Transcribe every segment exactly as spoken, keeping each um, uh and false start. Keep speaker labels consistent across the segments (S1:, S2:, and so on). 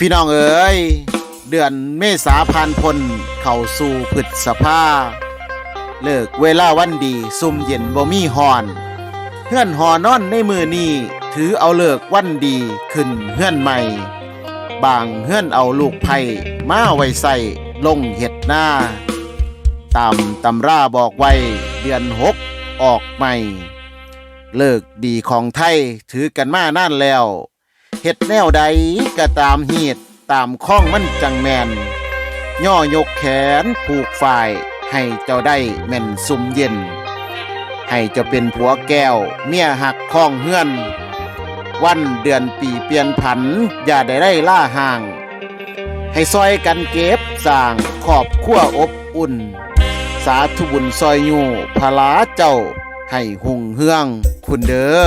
S1: พี่น้องเอ๋ยเดือนเมษาพันพลเข้าสู่พฤษภาเลิกเวลาวันดีซุ่มเย็นบ่มีฮอนเฮือนหอนอนในมือนี้ถือเอาเลิกวันดีขึ้นเฮือนใหม่บางเฮือนเอาลูกไผ่มาไว้ใส่ลงเห็ดหน้าตามตำราบอกไว้เดือนหกออกใหม่เลิกดีของไทยถือกันมานานแล้วเฮ็ดแนวใดก็ตามเหตุตามข้องมันจังแมนย่อยกแขนผูกฝ่ายให้เจ้าได้แม่นซุมเย็นให้เจ้าเป็นผัวแก้วเมียหักข้องเฮือนวันเดือนปีเปลี่ยนผันอย่าได้ได้ล่าห่างให้ซอยกันเก็บสร้างขอบขั้วอบอุ่นสาธุบุญซอยอยู่พลาเจ้าให้หุ่งเฮืองคุณเด้อ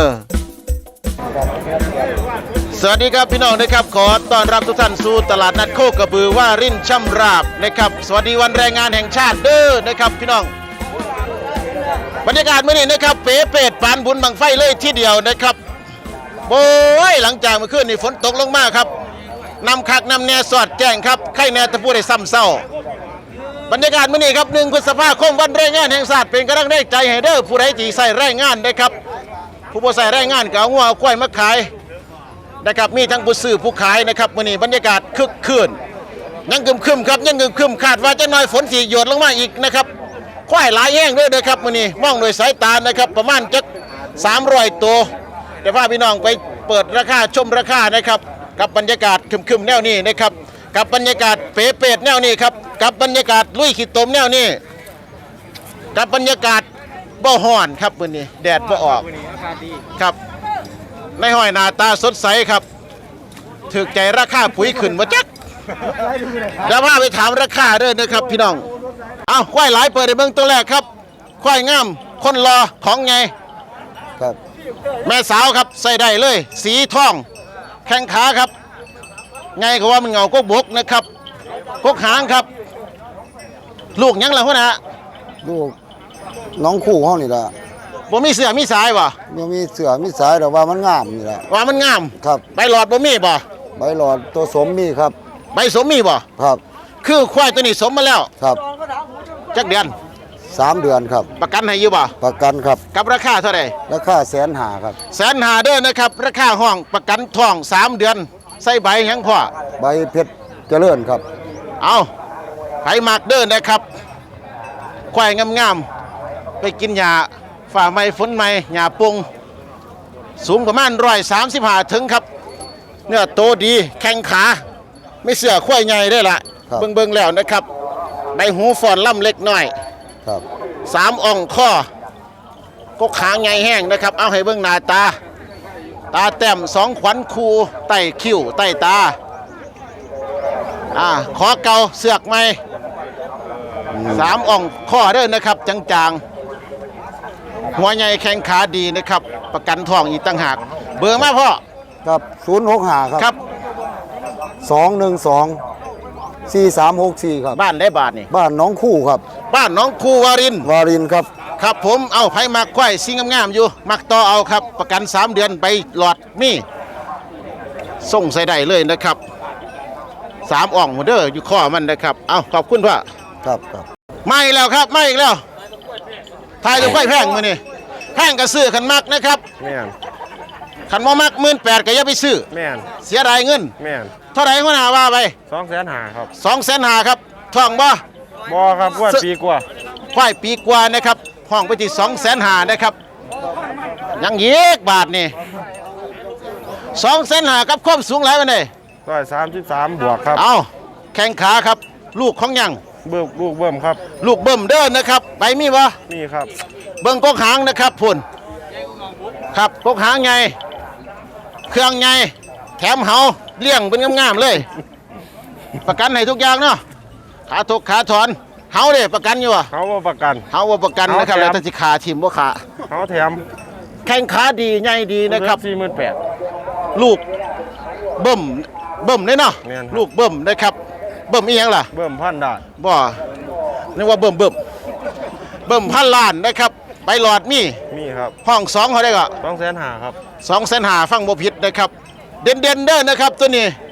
S1: สวัสดีครับพี่น้องนะครับขอต้อนรับทุกท่านสู่ตลาดนัดโคกระบือว่ารินช่ำราบนะครับสวัสดีวันแรงงานแห่งชาติเด้อนะครับพี่น้องบรรยากาศเมื่อนี้นะครับเป๋เป็ดปานบุญบังไฟเลยที่เดียวนะครับโอ้ยหลังจากเมื่อคืนนี่ฝนตกลงมาครับนำคักนำแนวสอดแจ้งครับไข่แนวตะพูได้ซ้ำเศร้าบรรยากาศเมื่อนี้ครับหนึ่งพฤษภาคมวันแรงงานแห่งชาติเป็นกำลังใจให้เด้อผู้ใดที่ใส่แรงงานนะครับผู้บ่ใส่แรงงานก็เอางัวเอาควายมาขายนะครับมีทั้งผู้ซื้อผู้ขายนะครับมื้อนี้บรรยากาศคึกคืนยังกึมครึมครับยังกึมครึมคาดว่าจะน้อยฝนสิหยดลงมาอีกนะครับควายหลายแห้งด้วยนะครับมื้อนี้มองโดยสายตานะครับประมาณจักสามร้อยตัวแต่ว่าพี่น้องไปเปิดราคาชมราคานะครับกับบรรยากาศครึมๆแนวนี้นะครับกับบรรยากาศเป๋เป็ดแนวนี้ครับกับบรรยากาศลุยขี้ตมแนวนี้กับบรรยากาศบ่ฮ้อนครับมื้อนี้แดดบ่ออกครับในห้อยหน้าตาสดใสครับถึกใจราคาปุ๋ยขึ้นบ่จักเดี๋ยวพาไปถามราคาเด้อนะครับพี่น้องเอาควายหลายเปิดในเบื้องตัวแรกครับควายงามคนรอของไงครับแม่สาวครับใส่ได้เลยสีทองแข้งขาครับไงก็ว่ามันเงาก็บกนะครับกกหางครับลูกยังล่ะพ่อนะ
S2: ลูกน้องคู่เฮานี่ล่ะ
S1: บ่มีเสือมีสายบ่
S2: บ่มีเสือมีสายแต่ว่ามันงามนี่ล่ะ
S1: ว่ามันงาม
S2: ครับ
S1: ใบหลอดบ่มีบ่
S2: ใบหลอดตัวสมมีครับ
S1: ใบสมมีบ่
S2: ครับ
S1: คือควายตัวนี้สมมาแล้ว
S2: ครับ
S1: จักเดือน
S2: สามเดือนครับ
S1: ประกันให้อยู่บ่
S2: ประกันครับ
S1: กับราคาเท่าไหร่
S2: ราคาแสนห้าครับ
S1: แสนห้าเด้อนะครับราคาห้องประกันทองสามเดือนใส่ใบหยังพ่อ
S2: ใบเพชรเจริญครับ
S1: เอาไผมักเด้อนะครับควายงามๆไปกินหญ้าฝ่าไม้ฝนไม้หญ้าปุงสูงประมาณหนึ่งร้อยสามสิบห้าถึงครับเนื้อโตดีแข้งขาไม่เสือควายใหญ่ได้ละเบิ่งเบิ่งแล้วนะครับใบหูฟอนล่ำเล็กน้อย
S2: ครับ
S1: สามอ่องข้อก็ขางใหญ่แห้งนะครับเอาให้เบิ่งหน้าตาตาแต้มสองขวัญคูใต้คิ้วใต้ตาอ่าขอเกาเสือกไหมสามอ่องข้อเด้อนะครับจางๆหัวใหญ่แข้งขาดีนะครับประกันทองอีกต่างหากเบอร์มาพ่อ
S2: ครับศูนย์หกห้าครับ
S1: ครับ
S2: สองหนึ่งสองสี่สามหกสี่ครับ
S1: บ้านได้บาทนี่
S2: บ้านน้องคู่ครับ
S1: บ้านน้องคูวาริน
S2: วารินครับ
S1: ครับผมเอาไผมักควายซิงงามๆอยู่มักต่อเอาครับประกันสามเดือนไปหลอดมีส่งใส่ได้เลยนะครับสามอ่องเด้ออยู่ข้อมันนะครับเอาขอบคุณพ่อ
S2: ครับครับ
S1: มาอีกแล้วครับมาอีกแล้วทายจะควายแพงมื้อนี้แพงก็ซื้อขันมักนะครับ
S3: แม่น
S1: ขันบ่มัก หนึ่งหมื่นแปดพัน ก็อย่าไปซื้อ
S3: แม่น
S1: เสียดายเงิน
S3: แม่น
S1: เท่าไหร่หัวหน้าว่าไป
S3: สองแสนห้าครับ
S1: สองแสนห้าครับทองบ่
S3: บ่ครับว่าปีกว่า
S1: ควายปีกว่านะครับห้องไปที่ สองแสนห้านะครับยังอีกบาทนี่ สองแสนห้ากับความสูงหลายปานใดห
S3: นึ่งร้อยสามสิบสามบวกครับ
S1: เอาแข้งขาครับลูกของยัง
S3: เบิ่มลูกเบิ่มครับ
S1: ลูกเบิ่มเด้อนะครับไปมีบ่
S3: มีครับ
S1: เบิ่งกกหางนะครับพุ่นครับกกหางไงเครื่องไงแถมเหาเลี้ยงเป็นงามๆเลยประกันให้ทุกอย่างเนาะขาทุกขาถอนเหาเด้ประกันอยู่บ่
S3: เฮาบ่ประกัน
S1: เหาบ่ประกันนะครับแล้วถ้าสิขาทิ่มบ่ขา
S3: เฮาแถม
S1: แข้งขาดีใหญ่ดีนะครับ
S3: สี่หมื่นแปดพัน
S1: ลูกเบิ่มเบิ่มเลยเนาะลูกเบิ่มนะครับเบิ่มอีหยังล่ะ
S3: เบิ่มพันได้
S1: บ่นึกว่าเบิ่มเบิ่มเบิ่มพันล้านนะครับใบหลอดมี
S3: มีครับ
S1: ห้องสองเขาได้ก็
S3: สองแสนห้าครับ
S1: สองแสนห้าฟังบ่ผิดนะครับเด่นๆเด้อนะครับตัวนี้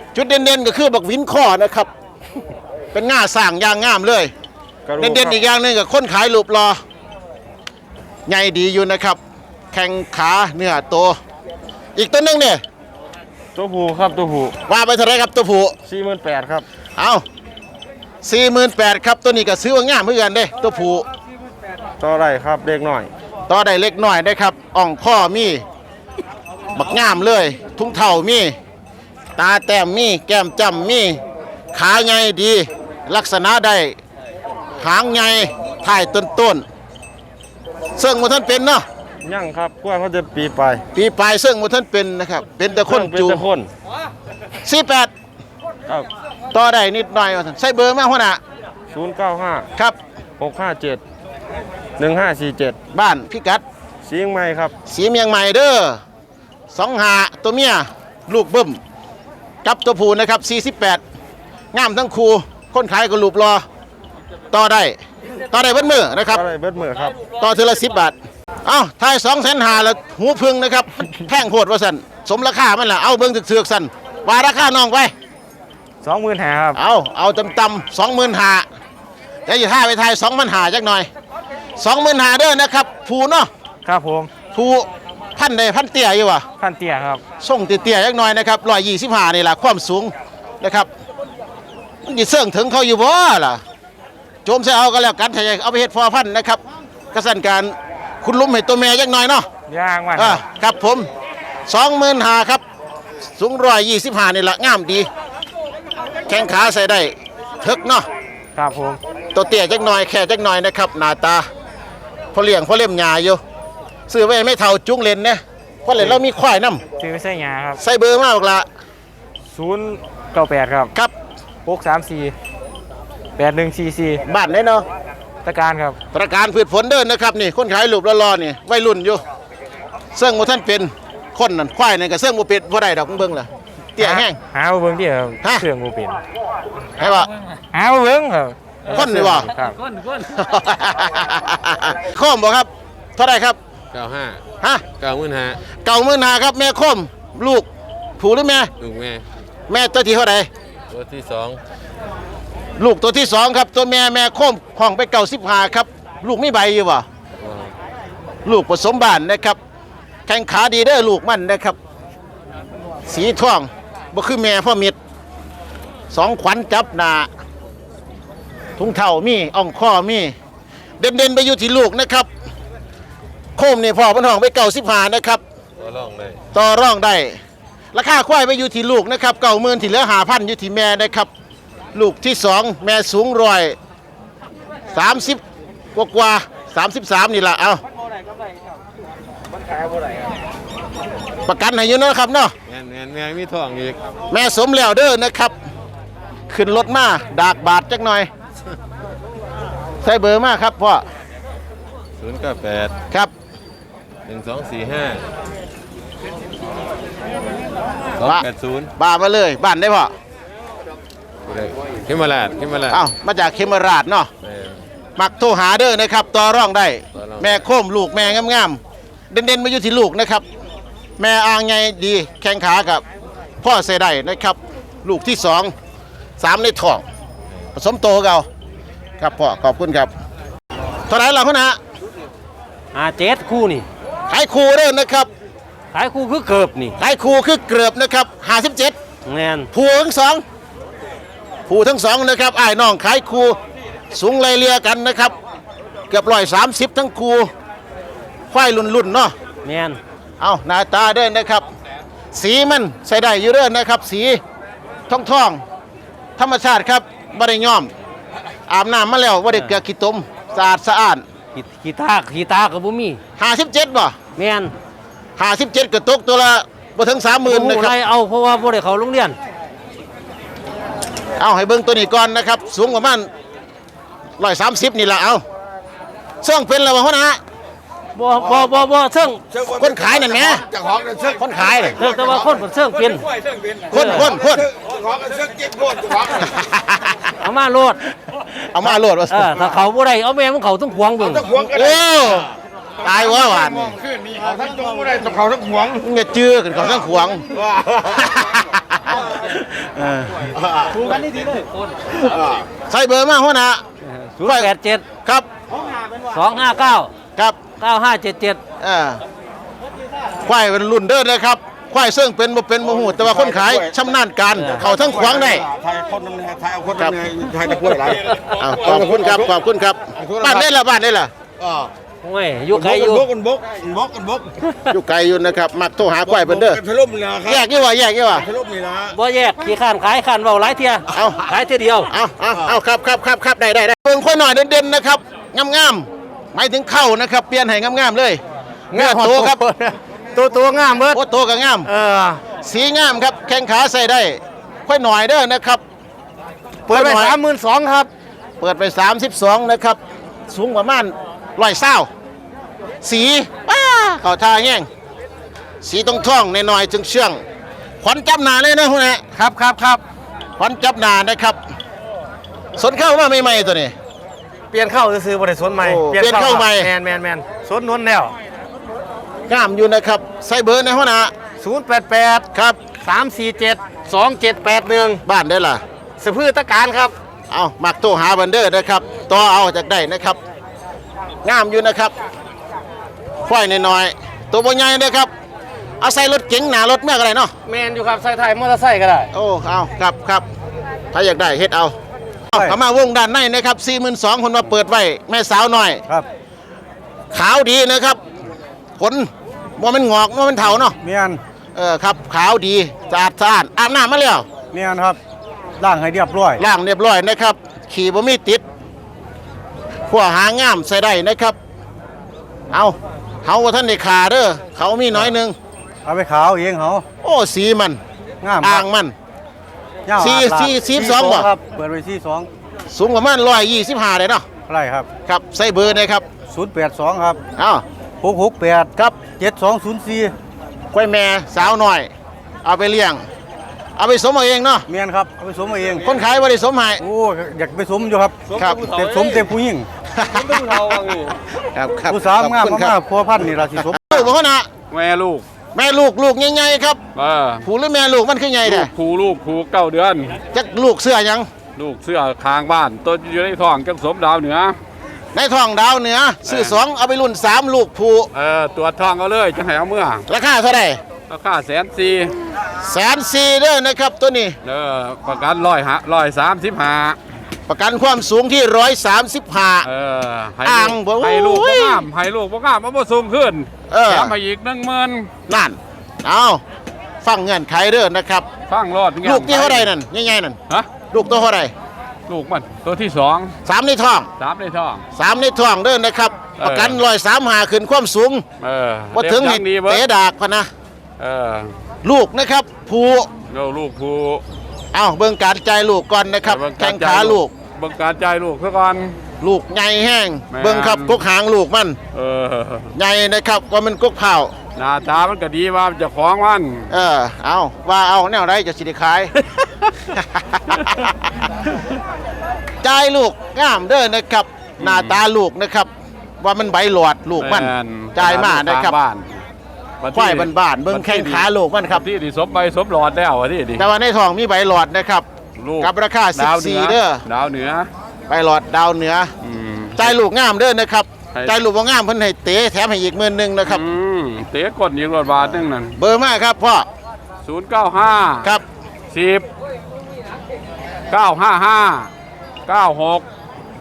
S1: จุดเด่นๆก็คือบักวินข้อนะครับ เป็นง่าสร้างอย่างงามเลย
S3: กระดูก
S1: เด่นๆอีกอย่างหนึงก็คนขายรูปรอใหญ่ดีอยู่นะครับ แข้งขาเนื้อโตอีกตัวหนึงเนี่ย
S3: ตัวผู้ครับตัวผู้
S1: ว่าไปเท่าไรครับตัวผู้
S3: สี่หมื่นแปดครับ
S1: เอาสี่หมื่นแปดครับตัวนี้ก็ซื้อว่างามเหมือนกันเด้ตัวผู้
S3: ต่อไรครับเด็กหน่อย
S1: ต่อได้เล็กน้อยได้ครับอ่องข้อมีบักงามเลย ทุ่งเท่ามี ตาแต้มมี แก้มจำมี ขาใหญ่ดี ลักษณะได้หางใหญ่ถ่ายต้นต้นๆเสื่องหมท่านเป็นเนาะ
S3: ยั่งครับกล้วยเขาจะปีไป
S1: ปีปลายเสื่องหมท่านเป็นนะครับ เป็นแต่คน
S3: เป็น
S1: จู
S3: แต่คน
S1: สี่แปด
S3: ครับ
S1: ต่อได้นิดหน่อยว่าซั่นใส่เบอร์มาหัวหน้า
S3: ศูนย์เก้าห้า
S1: ครับ
S3: หกห้าเจ็ดหนึ่งห้าสี่เจ็ด
S1: บ้านพิกัด
S3: เสียงใหม่ครับ
S1: สีเมียงใหม่เด้อสองหาตัวเมียลูกเบิ้มกับตัวผู้นะครับสี่สิบแปดงามทั้งคู่คนขายก็รูปรอต่อได้ต่อได้เบิ้มือนะครับ
S3: อะไรเบิดมือครับ
S1: ต่อทีละสิบบาทเอ้าทายสองแสนหาแล้วหูพึ่งนะครับ แพงโหดว่าสันสมราคามันแหละเอาเบิ้งถึกเสือกสันว่าราคาน้องไป
S3: สองหมื่นหาครับ
S1: เอาเอาตำตำสองหมื่นหาแล้วอยู่ท่าไปทายสองพันหาจักหน่อยสองหมื่นหาเด้อนะครับผู้เนาะ
S3: ครับผม
S1: ผู้พันใดพันเตี้ยอยู่วะ
S3: พันเตี้ยครับ
S1: ส่งเตี้ยๆยักหน่อยนะครับร้อยยี่สิบห้านี่แหละความสูงนะครับมันจะเสื่องถึงเขาอยู่บ่ล่ะโจมใส่เอาก็แล้วกันถ้าอยากเอาไปเฮ็ดพอพันธุ์นะครับกระสันการคุณลุมให้ตัวแม่ยักหน่อยเนาะ
S3: ย่างมัน
S1: อ่าครับผมสองหมื่นห้าครับสูงร้อยยี่สิบห้านี่แหละงามดี แข้งขาใส่ได้ทึกเนาะ
S3: ครับผม
S1: ตัวเตี้ยจักหน่อยแค่จักหน่อยนะครับหน้าตาพอเลี้ยงพอเล่มหญ้าอยู่ซื้อไว้ไม่เท่าจุ้งเลนเนี่ยเพราะเลนเรามีควายน้
S3: ซื้อไม่ใช่ยาครับ
S1: ำใส่เบอร์มาบอกละ
S3: ศูนย์เก้าแปดครับ
S1: ครับ
S3: หกสามสี่แปดหนึ่งสี่สี่
S1: บ้านได้เนาะ
S3: ตะการครับ
S1: ประการพืชผลเดินนะครับนี่คนขายรูปรอๆนี่วัยรุ่นอยู่เสื่องบ่ท่านเป็นคนนั่นควายนั่นก็เสื่องบ่เป็ดบ่ได้ดอกเบิ่งล่ะเตี้ยแห้ง
S3: หาเบิ้งที่ครับ
S1: ฮะ
S3: เครื่องบูเป็น
S1: ให้ว่า
S3: หาเบิ้งครับ
S1: คนนี่บ่
S3: ครับ
S1: โคมบ่ครับเท่าไหร่ครับ
S4: เก้าห้า
S1: ฮะ
S4: เก้าหมื่นห้า
S1: เก่ามื้อหนาครับแม่โคมลูกผู้หรือแม่
S4: ลูกแม่
S1: แม่ตัวที่เท่าไหร่
S4: ตัวที่สอง
S1: ลูกตัวที่สองครับตัวแม่แม่โคมห้องไปเก่าสิบห้าครับลูกมีใบอยู่บ่ลูกผสมบ้านนะครับแข้งขาดีเด้อลูกมันนะครับ สีท่องบ่คือแม่พ่อมิดสองขวัญจับหนาทุ่งเท่ามีอ่องข้อมีเด่นๆไปอยู่ที่ลูกนะครับ โคมนี่พ่อเพันห้องไปเก่าสิบห้านะครับ
S4: ตัวร่องเลย
S1: ต่อร่องได้ราคาควายไปอยู่ที่ลูกนะครับเก่าหมื่นที่เหลือหาพันอยู่ที่แม่นะครับ ลูกที่สองแม่สูงร้อยสามสิบกว่ากว่าสามสิบสามนี่แหละเอาประกันให้อยู่เนาะครับเนาะ
S4: แม่นแม่นแม่มีทองอีก
S1: แม่สมแล้วเด้อนะครับ ขึ้นรถมาดากบาทจักหน่อย ใส่เบอร์มาครับพ่อ
S4: ศูนย์เก้าแปด
S1: ครับ
S4: หนึ่งสองสี่ห้าสองแปดศูนย์
S1: บ้ามาเลยบ้านได้พ่อ
S4: ขึ้นมาลาดขึ้นมาลาด
S1: เอ้ามาจากเคมราชเนาะ
S4: แม่น
S1: มักโทรหาเด้อนะครับต่อร่องได้
S4: ต่อรอง
S1: แม่โคมลูกแม่งามๆเด่นๆมาอยู่ที่ลูกนะครับ แม่อ่างไงดีแข้งขากับพ่อเสได้นะครับ ลูกที่สองสามในท้องผสมโตเก่าครับพ่อขอบคุณครับเท่าไหร่ล่ะคุณฮะ
S5: อาเจ็ดคู่นี่
S1: ขายคู่เด้อนะครับ
S5: ขายคู่คือเกือบนี่
S1: ขายคู่คือเกือบนะครับห้าสิบเจ็ด
S5: แมน
S1: ผู้ทั้งสองผู้ทั้งสองนะครับอ้ายน้องขายคู่สูงไล่เลียกันนะครับเกือบร้อยสามสิบทั้งคู่ควายรุ่นๆเนาะ
S5: แมน
S1: เอาหน้าตาเด้อนนะครับ สีมันใส่ได้อยู่เด้อนนะครับ สีทองทองๆธรรมชาติครับบ่ได้ย้อมอาบน้ำมาแล้วบ่ได้เกลือขี้ตมสะอาดสะอ้าน
S5: ขีขีตาขีตากับบุมี
S1: ห้าสิบเจ็ดบ่
S5: แมน
S1: ห้าสิบเจ็ดก็ตกตัวละบ่ถึงสามหมื่นนะค
S5: ไร
S1: รับ
S5: เอาเพราะว่าบ่ได้เขาโรงเรียน
S1: เอาให้เบิ่งตัวนี้ก่อนนะครับ สูงประมาณร้อยสามสิบนี่แหละเอาเสื่องเป็นแล้วบ่ฮะนะ
S5: บ่บ่บ่บ่เชิง
S1: คนขายนั่นแหมคนขายน่ะ
S5: เชิงแต่ว่าคนเชิงเป็น
S1: คนคนคน
S5: เอามาโลด
S1: เอามาโหลดว่า
S5: เออถ้าเขาบ่ได้เอาแม่มันเขาต้องขวางเบิ่ง
S1: โอ้ตายว่าหวาน
S3: ทั้งตัวไม่ได้ต้องเขาทั้งหวง
S1: เงี้ยจื้อกันเขาทั้งขวาง
S3: ถูกกันนี่ดีเลย
S1: ใส่เบอร์มาหัวหน้า
S5: ศูนย์แปดเจ็ด
S1: ครับ
S5: สองห้าเก้า
S1: ครับ
S5: เก้าห้าเจ็ดเจ็ด
S1: เอ่าควายเป็นรุ่นเด้อนะครับควายเสื่องเป็นบ่เป็นบ่ฮู้แต่ว่าคนขายชำนาญการเขาทั้งขวางได้
S2: ไทยคนนึงไทยเอาคนนึงไทยตะกล้วยหลาย
S1: อ้าวขอบคุณครับขอบคุณครับบ้านได้ละบ้านได้ละ
S2: อ่า
S5: โอ้ยอยู่ไกลอยู่
S2: บกกันบกกันบกกันบก
S1: อยู่ไกลอยู่นะครับมักโทรหาควายเพิ่นเด้อ
S2: กันทะลุนี่นะค
S1: แย
S2: รับ
S1: กยี่ว่าแยกยี่ว่า
S2: ทะลุนี่นะ
S5: บ่แยกขี้ข้านขายข้านเว้าหลายเที่ย
S1: เอา
S5: ขายเที่ยเดียว
S1: เอาเอาเอาครับครับครับครับได้ได้ได้เบิ่งค่อยหน่อยเด่นๆนะครับงามๆหมายถึงเข้านะครับเปลี่ยนให้งามๆเลยเนื้อโตครับ
S5: ตัวตัวงามเบิด
S1: โอ้โตก็งาม
S5: เออ
S1: สีงามครับแข้งขาใส่ได้ค่อยหน่อยเด้อนะครับ
S5: เปิดไป
S1: ค่อยหน่อย
S5: สามหมื่นสองครับ
S1: เปิดไปสามสิบสองนะครับสูงประมาณร้อยเศร้าสีป้าเขาทาแห้งสีตรงท่องในหน่อยๆจึงเชื่องขวัญจับหนาเลยนะคุณฮะ
S5: ครับครับครับ
S1: ขวัญจับหนานะครับสนเข้ามาใหม่ๆตัวนี้
S5: เปลี่ยนเข้าซื้อๆบ่ได้สวนใหม่
S1: โอ้เปลี่ยนเข้าใหม่
S5: แมนแมนแมนสวนนวลแล้ว
S1: งามอยู่นะครับใส่เบอร์ในหัวหน้า
S5: ศูนย์แปดแปด
S1: ครับ
S5: สามสี่เจ็ดสองเจ็ดแปดหนึ่ง
S1: บ้านได้ล่ะ
S5: สะพือตะการครับ
S1: เอามักโทรหาบันเดอร์นะครับต่อเอาจากได้นะครับ งามอยู่นะครับควายน้อยๆตัวบใหญ่นะครับเอาใส่รถเก๋งหนารถเมื่อไรเนาะ
S5: แมนอยู่ครับใส่ไทยมอเตอร์ไซค์ก็ได้
S1: โอ้เอาครับครับถ้าอยากได้เฮ็ดเอาเอาเข้ามาวงด้านในนะครับ สี่หมื่นสองพันคนมาเปิดไว้แม่สาวหน่อย
S2: ครับ
S1: ขาวดีนะครับขนว่ามันงอกว่ามันเถาเนาะ
S2: เมียน
S1: เออครับขาวดีสะอาดสะอาดอาบน้ำมาแล้ว
S2: เมียนครับล่างให้เรียบร้อย
S1: ล่างเรียบร้อยนะครับ ขี่บ่มีติดขั้วหางามใส่ได้นะครับ เอาเขาว่าท่านในขาเด้อเขามีน้อยหนึง
S2: เอาไปขาวเองเขา
S1: โอ้สีมัน
S2: งาม
S1: อ่างมัน
S2: ยาว
S1: สี่
S2: อาดลาด
S1: สี่สี่สองบ่
S2: ครับเปิดไว้สี่สอง
S1: สูงประมาณร้อยยี่สิบห้าเลยเนาะ
S2: ไรครับ
S1: ครับใส่เบอร์นะครับ
S2: ศูนย์แปดสองครับ
S1: เอา
S2: หกหกแปด
S1: ครับ
S2: เจ็ดสองศูนย์สี่
S1: กล้วยแม่สาวหน่อย เอาไปเลี้ยง เอาไปสมเอาเองเนาะ
S2: เมียนครับเอาไปสมเอาเอง
S1: คนขายว่าได้สมให้
S2: โอ้อยากไปสมอยู่ครับ
S1: ครับ
S2: แต่สมเต็มผู้หญิง
S1: ครับครับ
S2: ผู้สาวงาม
S1: ขอบคุณค
S2: มา
S1: รั
S2: ก
S1: บ
S2: พัวพันธุ์นี่ราศีสม
S1: ลูกบ่เขานะ
S4: แม่ลูก
S1: แม่ลูกลูกใหญ่ๆครับ
S4: เออ
S1: ผูหรือแม่ลูกมันคือใหญ่
S4: ลู
S1: แท้
S4: กผูลูกผูเก้าเดือน
S1: จักลูกเสื้อหยัง
S4: ลูกเสื้อคางบ้านต้นอยู่ในท้องจังสมดาวเหนือ
S1: ในท้องดาวเหนือซื้อสองเอาไปรุ่นสามลูกผู
S4: เออตัวจท้องเอาเลยจังให้เอาเมื่อ
S1: ราคาเท่าไหร่
S4: ราคาแสนสี่
S1: แสนสี่เด้อนะครับตัวนี้
S4: เออประกันร้อยหะร้อยสามสิบห้า
S1: ประกันความสูงที่ร้อยสามสิบห้า
S4: เออให้
S1: อ่าง
S4: ลูก
S1: บ่
S4: ให้ลูก
S1: โอ้
S4: บ่
S1: ย
S4: งามให้ลูกบ่งามเอาบ่สูงขึ้น
S1: เออ
S4: แถมมาอีกหนึ่งหมื่น
S1: นั่นเอาฟังเงื่อนไขเด้อนะครับ
S4: ฟังรอด
S1: ลูกที่เท่าไหร่นั่นใหญ่ๆนั่น
S4: ฮะ
S1: ลูกตัวเท่าไหร่
S4: ลูกมันตัวที่สอง
S1: สามในท้อง
S4: สามในท้อง
S1: สามในท้องเด้อนะครับ
S4: เออ
S1: ประกันร้อยสามหาขึ้นความสูง
S4: เออ
S1: ว่าถึง
S4: เด็
S1: ให้
S4: กยังดีเบิด
S1: เตะดากพะนะ
S4: เออ
S1: ลูกนะครับผู
S4: เราลูกผู
S1: เอาเบิ่งการจ่ายลูกก่อนนะครับ
S4: เบิ่
S1: แข้
S4: ก
S1: ง
S4: ร
S1: ขา
S4: จ่ย
S1: ลูก
S4: เบิ่งการจ่ายลูกซะก่อน
S1: ลูกใหญ่แห้ง
S4: แม่น
S1: เบิ่งครับกกหางลูกมัน
S4: เออ
S1: ใหญ่นะครับว่ามันกกเผา
S4: หน้าตามันก็ดีว่าเจะของมัน
S1: เออเอาว่าเอาแนวไรจะสิได้ขาย จ่ายลูกงามเด้อนะครับ หน้าตาลูกนะครับ ว่ามันใบหลอดลูกมัน
S4: แ
S1: จ่ายมานะครับ
S4: บ้าน
S1: ควายบ้านๆเบิ่งแข้งขาลูกมันครับ
S4: ที่ที่สมใบสมหลอดแล้วอะที่ดิ
S1: แต่ว่าในท้องมีใบหลอดนะครับ
S4: ลูก
S1: กับราคา
S4: ดาวหนื
S1: สิบสี่เด้อ
S4: ดาวเหนือ
S1: ใบหลอดดาวเหนือ
S4: อืม
S1: จ่ายลูกงามเด้อนะครับ
S4: ให้
S1: จ่ายลูกบ่งามเพิ่นให้เตะแถมให้อีกหมื่นหนึงนะครับ
S4: อืมเตะกดยิงรถบาทนึงนั่น
S1: เบอร์มาครับพ่อ
S4: ศูนย์เก้าห้า
S1: ครับ
S4: สิบเก้าห้าห้าเก้าหก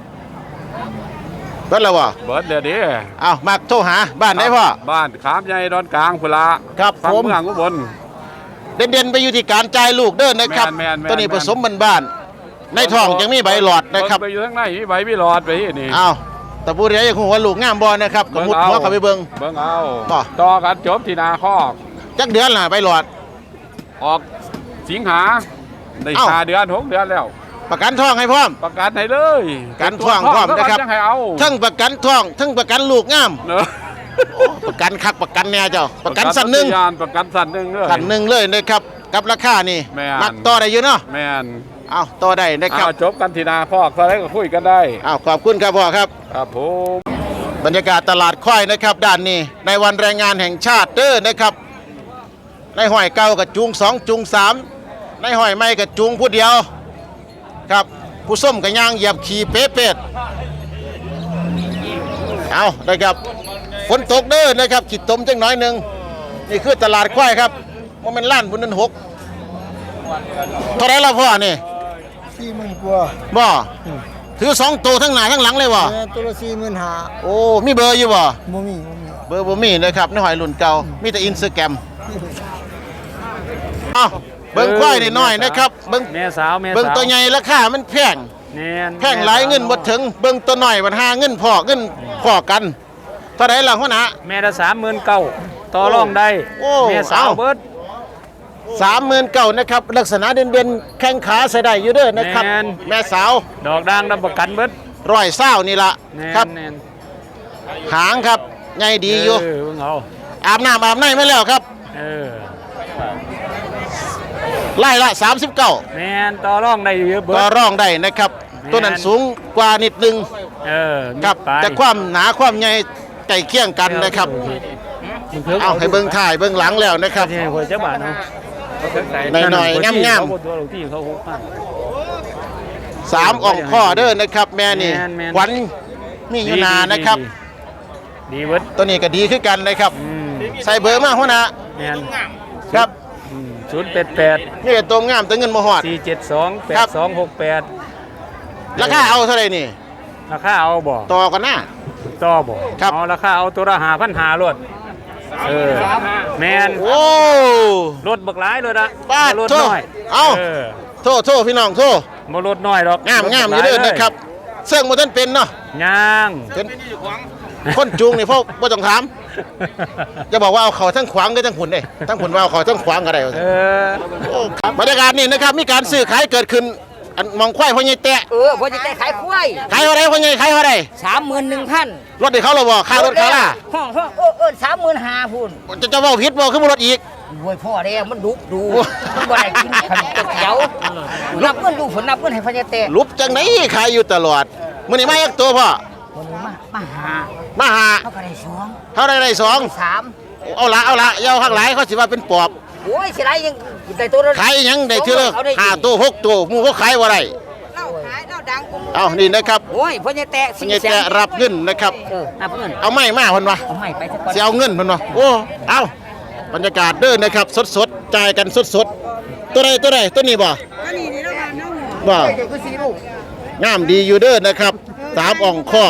S1: เบิดแล้วบ่
S4: เบิร์ดเดี๋ยวดิ
S1: เอามาโทรหาบ้านไหนพ่อ
S4: บ้านขามใหญ่ดอนกลางพุละ
S1: ครับ
S4: ฝั่ง
S1: ผม
S4: เมืองอุบล
S1: เด่นๆไปอยู่ที่การจ่ายลูกเด้อนะครับ
S4: แม่นๆแม่นๆ
S1: ตัวนี้ผสมบ้านๆในท้องยังมีใบหลอดนะครับ
S4: เงไปอยู่ข้างในมีใบมีหลอดไปที่นี่
S1: เอาแต่ผู้ใดยังคงว่าลูกงามบ่นะครับก็มุดหัวเข้าไปเบิ่ง
S4: เบิ่งเอา
S1: ต่อ
S4: ต่อกันจบที่นาคอก
S1: จักเดือนล่ะใบหลอด
S4: ออกสิงหาได้
S1: เอ้า
S4: ห้าเดือนหกเดือนแล้ว
S1: ประกันท้องให้พร้อม
S4: ประกันให้เลย
S1: การท่วงพร้อมนะครับ
S4: จังให้เอา
S1: ทั้งประกันท้องทั้งประกันลูกงาม
S4: เนอะ
S1: โอ้ประกันคักประกันแน่เจ้าประกันสันหนึ่ง
S4: ประกัประกันสันหนึ่งเลย
S1: สันหนึ่งเลยนะครับกับราคานี่
S4: แม่น
S1: มักต่อได้อยู่เนาะ
S4: แม่น
S1: เอาต่อได้นะครับ
S4: เอาจบกันที่นาคอกตอนแรกก็คุยกันได้
S1: เอาขอบคุณครับพ่อครับ
S4: ครับผม
S1: บรรยากาศตลาดควายนะครับด้านนี้ในวันแรงงานแห่งชาติเด้อนะครับในห้อยเก่ากับจุงสองจุงสามในหอยไม้กับจุงผู้เดียวครับผู้ส้มกับยางเหยียบขี่เป๊ะเป็ดเอาได้ครับฝนตกเด้อนะครับขีดตมจังน้อยหนึ่งนี่คือตลาดควายครับว่ามันล้านบุญนันหกเท่าไรละพ่อนี่
S2: สี่หมื่นกว่า
S1: บ่ถือสองตัวทั้งหน้าทั้งหลังเลยบ่
S2: ตัวละสี่หมื่นห้า
S1: โอ้มีเบอร์อยู่บ่
S2: โมมี่โมมี่
S1: เบอร์บ่มีนะครับในหอยรุ่นเก่ามีแต่อินสตาแกรมเอาเบิ่งควายนิดหน่อยนะครับเบิ่ง
S3: แม่สาวแม่สาว
S1: เบิ่งตัวใหญ่ราคามันแพง
S3: แน่น
S1: แพงหลายเงินบ่ถึงเบิ่งตัวหน่อยมันหาเงินพอเงินพอกันเท่าไหร่ล่ะหัวหน้า
S3: แม่ละสามหมื่นเก้าต่อรองได้
S1: โอ้
S3: แม่สาว
S1: เอา
S3: เบิด
S1: สามหมื่นเก้านะครับลักษณะเด่นๆแข้งขาใส่ได้อยู่เด้อนะครับ
S3: แม่น
S1: แม่สาว
S3: ดอกด่างรับประกันเบิด
S1: ร้อยเศร้านี่ละ
S3: แน่น
S1: ครับ
S3: แน่น
S1: หางครับใหญ่ดีอยู่
S3: เออเบิ่งเอา
S1: อาบน้ำอาบในไม่แล้วครับ
S3: เออ
S1: ไล่ละสามสิบเก้า
S3: แม่นต่อรองได้อยู่เยอะเบิด
S1: ก็ร้องได้นะครับ
S3: แม่น
S1: ตัวนั้นสูงกว่านิดนึง
S3: เออ
S1: ครับ
S3: ไป
S1: แต่ความหนาความใหญ่ใกล้เคียงกันนะครับ
S3: มันพิ่ง
S1: เอาให้เบิ้งถ่ายเบิ้งหลังแล้วนะครับ
S3: ที่ให้หัวเจ้าบ้านเนาะ
S1: หน่อยๆงามๆ
S3: ๆตัวหลวงที่เขาหุบมา
S1: สามอ่องข้อเด้อนะครับ แม่นี่
S3: แม่นแม่น
S1: ขวัญมีอยู่นานะครับ
S3: ดีดีเบิด
S1: ตัวนี้ก็ดีขึ้นกันนะครับ
S3: อืม
S1: ใส่เบอร์มาหัวหน้า
S3: แม่น
S1: ครับ
S3: ศูนย์แปดแปด
S1: นี่ก็ตัวงามตัวเงินมาหอด
S3: สี่เจ็ดสองแป
S1: ครั
S3: ด
S1: บ
S3: สองหกแปด
S1: ราคาเอาเท่าไหร่นี่
S3: ราคาเอาบ่
S1: ต่อกันหน้า
S3: ต่อบ่
S1: ครับ
S3: เอาราคาเอาตัวละหาพันหารถเออแมน
S1: โอ้
S3: รถบักหลายเลยนะ
S1: บ้า
S3: บ่รถ
S1: โทษ
S3: น้อย
S1: เอา
S3: เออ
S1: โทษโทษพี่น้องโทษ
S3: บ่รถน้อยหรอก
S1: งาม
S3: รถ
S1: งามอ
S3: บั
S1: ยู่
S3: กหล
S1: เด้อ
S3: ล
S1: นะครับเสื่องบ่ทันเป็นเนาะ
S3: ย่าง
S1: เป็นคนจูงนี่พวกบ่ต้องถามจะบอกว่าเอาเขาทั้งขวางก็ทั้งหุ่นเด้ทั้งหุ่นว่าเอาเขาทั้งขวางก็ได้
S3: เออ
S1: โอ้ครับบรรยากาศนี่นะครับมีการซื้อขายเกิดขึ้นอันมองควายพ่อใหญ่แตะ
S6: เออพอจะได้ขายควาย
S1: ขายเท่าไรพ่อใหญ่ขายเท่าไร
S6: สามหมื่นหนึ่งพัน
S1: รถได้เขาเราบ่ค่ารถเขาล่ะ
S6: ห้องห้องเออเออสามหมื่นห้าพุ่น
S1: จะจะเว้าผิดบ่คือบ่รถอีก
S6: รวยพ่อแล้วมันดุดู
S1: โอ้
S6: มันบ่ได้กินขนมก๋วยเตี๋ยวนับเงินดูผลนับเงินให้พญาเตะ
S1: ลุบจังไหนขายอยู่ตลอดมื้อนี้มาอีกตัวพ่อ
S6: วันนี้มามาหา
S1: มาหา
S6: เขาก็ได้สอง
S1: เท่าไรได้สอง
S6: สาม
S1: เอาละเอาละอยาวข้างหลายเขาสิว่าเป็นปอบ
S6: โอ้ยสิไรยังได้ตัวละ
S1: ขายหยังได้เท่าละ
S6: เขาได้
S1: ห้าตัวหกตัวหมู่เขาขายบ่ได้
S6: เราขายเราดังกู
S1: เอานี่นะครับ
S6: โอ้ยพญาเตะ
S1: พ่อใหญ่แตะรับเงินนะครับ
S6: เออนับเงิน
S1: เอาไม้มาเพิ่นว่า
S6: เอาให้ไปสักก่อน
S1: สิเอาเงินเพิ่นว่าโอ้เอาบรรยากาศเด้อนะครับสดๆจ่ายกันสดๆตัวใดตัวใดตัวนี้บ่บ่งามดีอยู่เด้อนะครับสามอ่องข้อ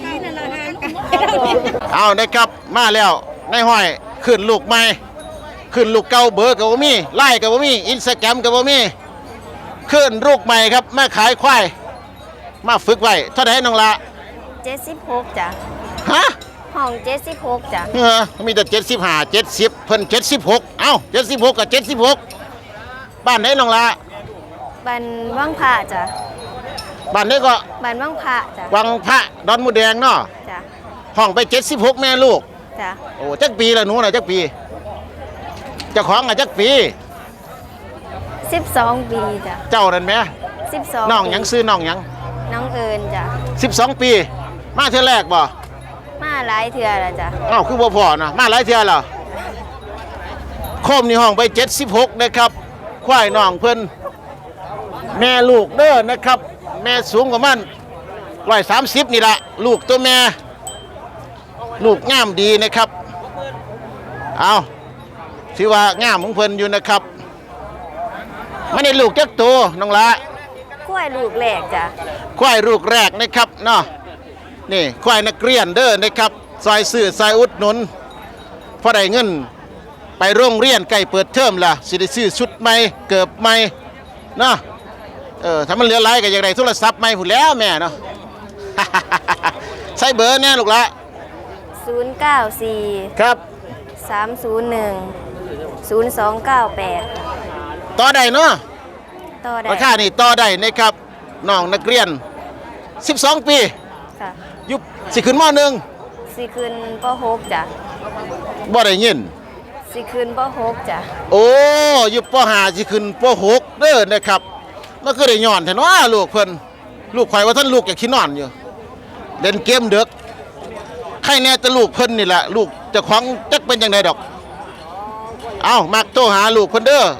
S1: เอานะครับมาแล้วนายห้อยขึ้นลูกใหม่ขึ้นลูกเก่าเบอร์ก็บ่มีไล่ก็บ่มีอินสตาแกรมก็บ่มีขึ้นลูกใหม่ครับมาขายควายมาฝึกไว้เท่าไหร่น้องละ
S7: เจ็ดสิบหกจ้ะ
S1: ฮะ
S7: ห้องเจ็ดสิบหกจ้ะ
S1: เออมีแต่เจ็ดสิบห้าเจ็ดสิบเพิ่นเจ็ดสิบหกเอ้าเจ็ดสิบหกกับเจ็ดสิบหกบ้านไหนน้องละ
S7: บันว่างพระจ้ะ
S1: บ้านไหนก็
S7: บันว่างพระจ้ะ
S1: วังพระดอนมูแดงเนาะ
S7: จ้ะ
S1: ห้องไปเจ็ดสิบหกแม่ลูก
S7: จ้ะ
S1: โอ้จักปีละหนูน่ะจักปีเจ้าของอ่ะจักปี
S7: สิบสองปีจ้ะ
S1: เจ้านั่นแหม
S7: สิบสอง
S1: น้องหยังซื้อน้องหยัง
S7: น้องเอิญจ้ะ
S1: สิบสองปี มาเทื่อแรกบ่
S7: มาหลายเถื่อแล้วจ้ะ
S1: อ้าวคือบ่พอนะมาหลายเทื่อแล้วโคมนี่ห้องไปเจ็ดสิบหกนะครับควายน้องเพิ่นแม่ลูกเด้อนะครับ แม่สูงกว่ามันร้อยสามสิบนี่ละลูกตัวแม่ ลูกงามดีนะครับเอาถือว่างามของเพิ่นอยู่นะครับไม่ได้ลูกจักตัวน้องละ
S7: กล้วยลูกแหลกจ้ะ
S1: ควายลูกแรกนะครับเนาะนี่ควายนักเรียนเด้อนะครับซอยซื้อซอยอุดหนุนพอได้เงินไปโรงเรียนใกล้เปิดเทอมล่ะสิได้ซื้อชุดใหม่เกิบใหม่เนาะเออถ้ามันเหลือหลายก็อยากได้โทรศัพท์ใหม่พุ่นแล้วแม่เนาะ ใส่เบอร์แน่ลูกละ
S7: ศูนย์เก้าสี่
S1: ครับ
S7: สามศูนย์หนึ่งศูนย์สองเก้าแปด
S1: ต่อได้เนาะ
S7: ต่อได้
S1: ราคานี่ต่อได้นะครับน้องนักเรียนสิบสองปี
S7: ค่ะ
S1: อยุบสิขึ้นมหนึ่ง
S7: สิคืนปหกจ้ะ
S1: บ่ได้ยิน
S7: สิคืนปหกจ้ะ
S1: โอ้อยุบปห้าสิขึ้นปหกเด้อนะครับมันก็ได้ย้อนแท้เนาะลูกเพิ่นลูกข่อยว่าท่านลูกอยากขี้นอนอยู่เล่นเกมเด็กใครแน่แต่ลูกเพิ่นนี่แหละลูกเจ้าของจักเป็นจังไดดอกเอ้ามักโทรหาลูกเพิ่นเด้อโอ้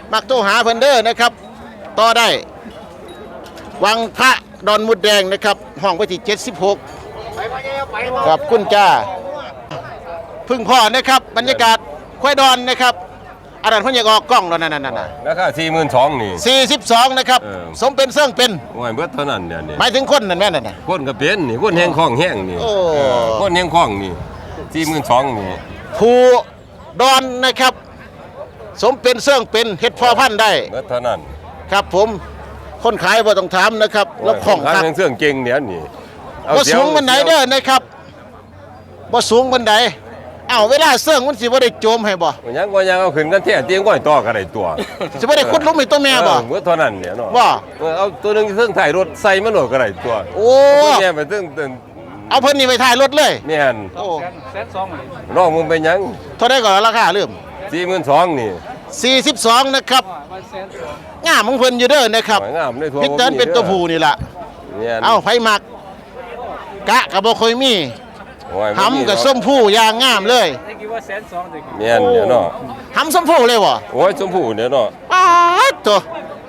S1: มักโทรหาเพิ่นเด้อนะครับต่อได้วังพระดอนมุดแดงนะครับห้องไว้ที่เจ็ดสิบหกขอบคุณจ้าพึ่งพ่อนะครับบรรยากาศควายดอนนะครับอันนั้นเพิ่นอยากออกกล้องแล้วนั่นๆๆ
S8: ราคาสี่หมื่นสองนี่
S1: สี่สิบสองนะครับ
S8: เออ
S1: สมเป็นเสื่องเป็น
S8: โอ้ยเบิดเท่านั้นเดี๋ยวนี้
S1: หมายถึงคนนั่นแม่นน่ะ
S8: คนก็เป็นนี่คนแห้งคล้องแห้งนี่
S1: โอ้
S8: เออคนแห้งคล้องนี่สี่หมื่นสองนี่
S1: ผู้ดอนนะครับ สมเป็นเสื่องเป็นเฮ็ดพอพันธุ์ได้
S8: เบิดเท่านั้น
S1: ครับผมคนขายบ่ต้องถามนะครับแล้วของ
S8: ขาย
S1: ครับ
S8: แห้งเสื่องเก่งเดี๋ยวนี้เอา
S1: บ่
S8: เสียว
S1: สูงบันไดเด้อนะครับบ่สูงบันไดเอ้าเวลาเสื่องมันสิบ่ได้โจมให้บ่
S8: ยังก็ยังเอาขึ้นกันแท้เตียงก้อยต่อกันได้ตัว
S1: สิบ่ได้ขุดหลุมให้ตัวแม่บ่
S8: เออเบิดเท่านั้นเนี่ยเนาะ
S1: บ่
S8: เออเอาตัวหนึงเครื่องถ่ายรถใส่มันโหลดก็ได้ตัว
S1: โอ้
S8: ตัวแม่ไปตึ้งตึ้ง
S1: เอาเพิ่นนี่ไปถ่ายรถเลย
S8: แม่น
S1: โอ้
S8: น้องมึงไปยัง
S1: เท่าได้ก่อนราคาลืม
S8: สี่หมื่นสองนี่
S1: สี่สิบสองนะครับงามของเพิ่นอยู่เด้อนะครับ
S8: สวยงามเลยทั่ว
S1: พิกเติร์นเป็นตัวผู้นี่ล่ะ
S8: แม่น
S1: เอาไผมักกะก็บ่ค่อยมี
S8: โอ้ย
S1: หำกับส้มผู้อย่างงามเลย
S8: แม่นเดี๋ยวเนาะ
S1: หำส้มผู้เลยบ่
S8: โอ้ยชมพู่เดี๋ยวเนาะ
S1: ป๊าดตัว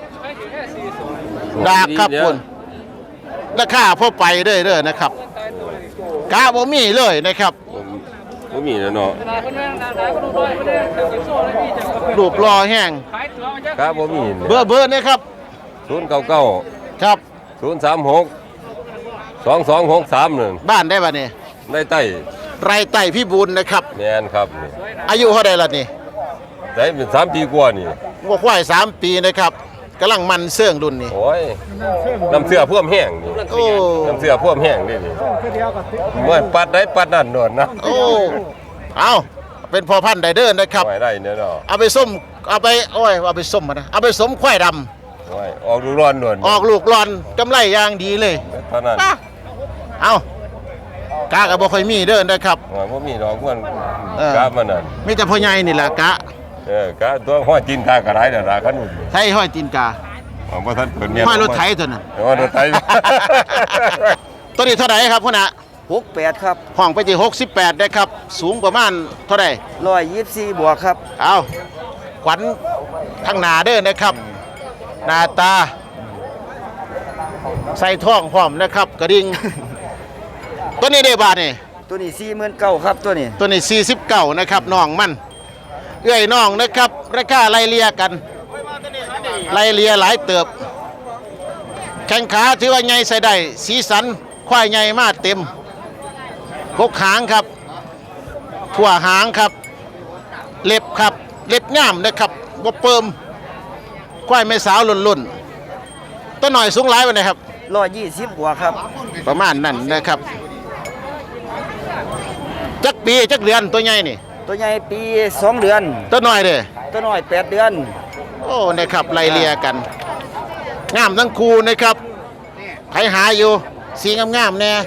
S1: ดากครับ
S8: ดีๆ
S1: คุณราคาพอไปเด้อเด้อนะครับกะบ่มีเลยนะครับ
S8: บ่มีแล้วเนาะ
S1: รูปรอแห้ง
S8: ครับบ่มี
S1: เบอร์เบอร์นะครับ
S8: ศูนย์เก้าเก้า
S1: ครับ
S8: ศูนย์สามหกสองสองหกสามหนึ่ง
S1: บ้านได้บ่นี่
S8: ได้ใต้
S1: ไรไต่พี่บุญนะครับ
S8: แม่นครับนี่
S1: อายุเท่าใดล่ะนี่
S8: ได้เป็นสามปีกว่านี่
S1: วัวควายสามปีนะครับกำลังมันเสื่องรุ่นนี่
S8: โอ้ยน้ำเสื้อพ่วมแห้งนี่
S1: โอ้
S8: น้ำเสื้อพ่วมแห้งนี่นี่เมื่อปัดได้ปัดนั่นโดนนะ
S1: โอ้เอาเป็นพอพันธุ์ไดเดอร์นะครับ
S8: ไว้ได้เนี่ยเนาะ
S1: เอาไปส้มเอาไปโอ้ยเอาไปส้มมานะเอาไปสมควายด
S8: โอ้ยออกดูร้อนโดน
S1: ำออกลูกรอนกำไรอย่างดีเลย
S8: เท่านั้น
S1: อ่ะเอากะกับบ่ค่อยมีเด้อนะครับ
S8: โอ้ยบ่มีดอกเพื่อน
S1: เออ
S8: กาบมันนั่น
S1: มีแต่พ่อใหญ่นี่แหละกะ
S8: เออกาตัวห้อยจีนกากระไรเด้อราคัน
S1: ไทยห้อยตีนกา
S8: ของบ่ทันเปิดแม่น
S1: ห้อยรถไถตัวนั้น
S8: ห้อยรถไถ
S1: ตัวนี้เท่าไหร่ครับพ่อน่ะ
S6: หกแปดครับ
S1: ห้องไปที่หกสิบแปดนะครับ สูงประมาณเท่าไหร่
S6: ร้อยยี่สิบสี่บวกครับ
S1: เอาขวัญทางหนาเด้อนะครับหน้าตา ใส่ท่องพร้อมนะครับกระดิ่ง ตัวนี้ได้บาทนี่
S6: ตัวนี้สี่หมื่นเก้าครับตัวนี้
S1: ตัวนี้สี่สิบเก้านะครับน้องมันเอื้อยน้องนะครับราคาไล่เลียกันไล่เลียหลายเติบ แข้งขาถือว่าใหญ่ใส่ได้สีสันควายใหญ่มากเต็มกกหางครับทั่วหางครับ เล็บครับเล็บง่ามนะครับบ่เปิมควายแม่สาวหล่นๆตัวหน่อยสูงหลายไปนะครับ
S6: ร้อยยี่สิบบวกครับ
S1: ประมาณนั้นนะครับจักปีจักเดือนตัวใหญ่นี่
S6: ตัวใหญ่ปีสองเดือน
S1: ตัวน้อยเด้อ
S6: ตัวน้อยแปดเดือน
S1: โอ้นะครับไล่เลียกันงามทั้งคู่นะครับใครหาอยู่สีงามๆแน่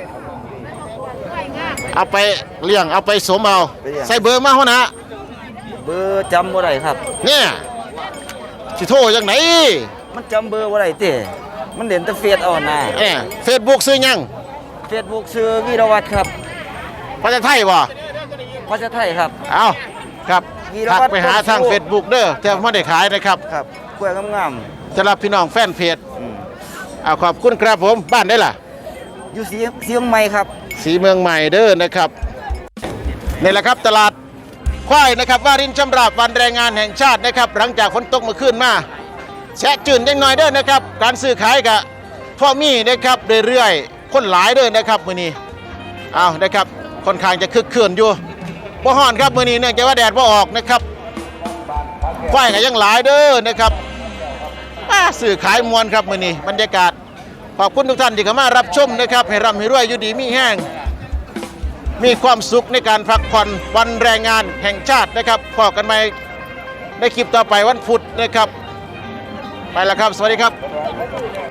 S1: เอาไปเลี้ยงเอาไปสมเอาใส่เบอร์มาหัวหน้า
S6: เบอร์จำบ่ได้ครับ
S1: เนี่ยสิโทรจังไหน
S6: มันจำเบอร์บ่ได้เต้มันเด่นแต่เฟซเอาหน้า
S1: เนี่ยเฟซบุ๊กซื้อยัง
S6: เฟซบุ๊กซื้อวีรวัตรครับ
S1: ภาษาไทยบ่
S6: ภาษาไทยครับ
S1: เอาครับ
S6: วีร
S1: ทัก
S6: วัตร
S1: ไปหาทาง
S6: ต้นสู้
S1: เฟซบุ๊กเด้อแต่ไม่ได้ขายนะครับ
S6: ครับกล้วยงาม
S1: สำหรับพี่น้องแฟนเพจ
S6: ๆอืม
S1: เอาขอบคุณครับผมบ้านได้ล่ะ
S6: อยู่สีเสียงใหม่ครับ
S1: สีเมืองใหม่เด้อนะครับนี่แหละครับตลาดควายนะครับวารินชำราบวันแรงงานแห่งชาตินะครับ หลังจากฝนตกเมื่อคืนมาแชะจืนยังหน่อยเด้อนะครับ การซื้อขายกับพ่อมีนะครับเรื่อยๆคนหลายเด้อนะครับมื้อนี้เอานะครับค่อนข้างจะคึกคืนอยู่บ่ฮ้อนครับมื้อนี้เนื่องจากว่าแดดบ่ออกนะครับควายก็ยังหลายเด้อนะครับอ่าซื้อขายมวลครับมื้อนี้บรรยากาศขอบคุณทุกท่านที่เข้ามารับชมนะครับให้ร่ำให้รวยอยู่ดีมีแห้งมีความสุขในการพักผ่อนวันแรงงานแห่งชาตินะครับพบกันใหม่ในคลิปต่อไปวันพุธนะครับไปแล้วครับสวัสดีครับ